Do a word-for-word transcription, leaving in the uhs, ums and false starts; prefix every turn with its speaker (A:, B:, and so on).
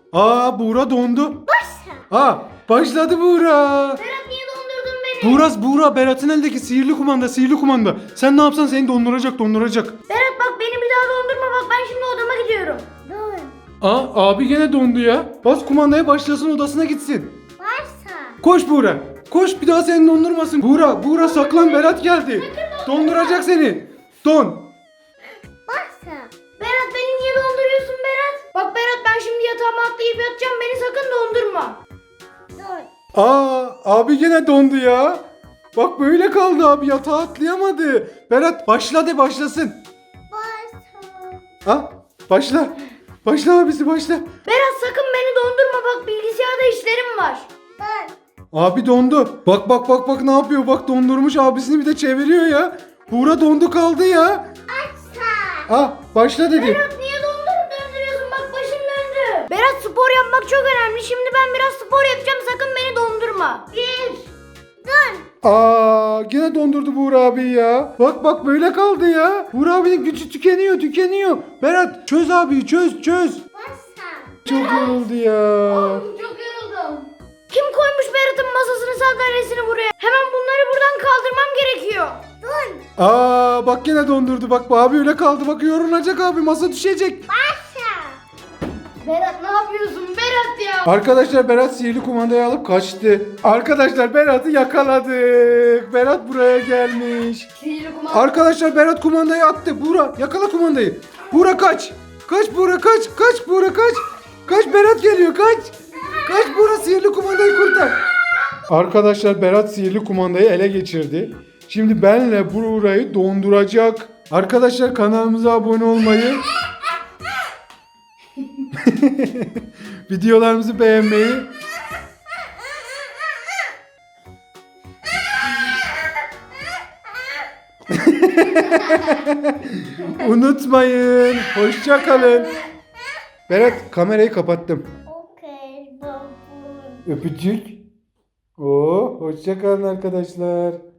A: Aa, Buğra dondu.
B: Başla.
A: Aa, başladı Buğra.
B: Berat niye dondurdun beni?
A: Buğra, Buğra Berat'ın elindeki sihirli kumanda, sihirli kumanda. Sen ne yapsan seni donduracak, donduracak.
B: Berat bak beni bir daha dondurma, bak ben şimdi odama gidiyorum. Dur.
A: Aa, abi gene dondu ya. Bas kumandaya, başlasın, odasına gitsin.
B: Başla.
A: Koş Buğra. Koş, bir daha seni dondurmasın. Buğra, Buğra saklan, Berat geldi. Donduracak seni. Don.
B: Başla. Berat beni niye donduruyorsun Berat? Bak Berat ben şimdi yatağıma atlayıp yatacağım, beni sakın dondurma. Dur.
A: Aa, abi gene dondu ya. Bak böyle kaldı abi, yatağa atlayamadı. Berat başla de, başlasın.
B: Başla.
A: Ha? Başla. Başla abisi, başla.
B: Berat sakın beni dondurma, bak bilgisayarda işlerim var. Dur.
A: Abi dondu. Bak bak bak bak ne yapıyor? Bak dondurmuş, abisini bir de çeviriyor ya. Buğra dondu kaldı ya.
B: Başla.
A: Ah, başla dedi.
B: Berat niye dondurup döndürüyorsun, bak başım döndü. Berat spor yapmak çok önemli. Şimdi ben biraz spor yapacağım, sakın beni dondurma. Bir. Dur.
A: Aa, gene dondurdu Buğra abi ya. Bak bak böyle kaldı ya. Buğra abinin gücü tükeniyor, tükeniyor. Berat çöz abi, çöz çöz.
B: Başla.
A: Çok yoruldu ya.
B: Çok yoruldum. Kim koymuş Berat'ın masasını, sandalyesini buraya? Hemen bunları buradan kaldırmam gerekiyor. Dur.
A: Aa, bak gene dondurdu. Bak bu abi öyle kaldı. Bak yorulacak abi, masa düşecek.
B: Başla. Berat ne yapıyorsun Berat ya?
A: Arkadaşlar Berat sihirli kumandayı alıp kaçtı. Arkadaşlar Berat'ı yakaladık. Berat buraya gelmiş.
B: Sihirli kumanda.
A: Arkadaşlar Berat kumandayı attı. Buğra yakala kumandayı. Buğra kaç. Kaç Buğra, kaç. Kaç Buğra, kaç. Kaç, Berat geliyor, kaç. Kaç Buğra, sihirli kumandayı kurtar. Arkadaşlar Berat sihirli kumandayı ele geçirdi. Şimdi benle Buğra'yı donduracak. Arkadaşlar kanalımıza abone olmayı, videolarımızı beğenmeyi, unutmayın. Hoşça kalın. Berat kamerayı kapattım.
B: Okey babam.
A: Öpücük. Oo, hoşça kalın arkadaşlar.